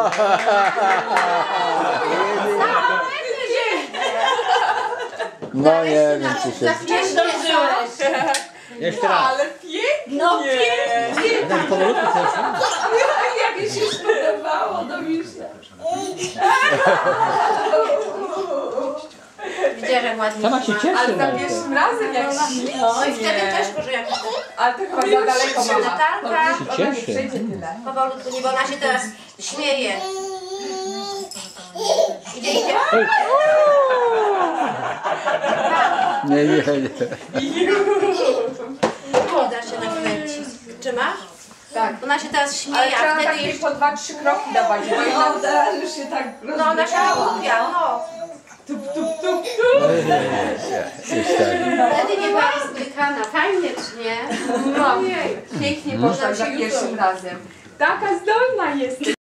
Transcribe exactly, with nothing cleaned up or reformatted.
No nie wiem, czy się... Jeszcze raz. Ale pięknie! No pięknie! Tak powolutku też. Jak mi się spodobało, no już. Widziałeś, jak ładnie. Sama się cieszy. Ale za no i pierwszym razem jak ślicznie. No i wtedy też może jak Ale to chyba za daleko, mama. Natalka. Ona Się nie cieszy. przejdzie tyle. powolutku, nie, bo ona się teraz śmieje. Idzie, idzie. Nie, nie, nie. Nie da się nakręcić. Czy masz? Tak. Ona się teraz Ale śmieje, a trzeba wtedy takie jeszcze... po dwa, trzy kroki dawać, bo ona teraz już się tak No ona się rozbiegała. głupia, no. Tup, tup, tup, tup. Już tak. Wtedy nie była rozbrykana. Fajnie, czy nie? No, pięknie poszła za pierwszym razem. Taka zdolna jest.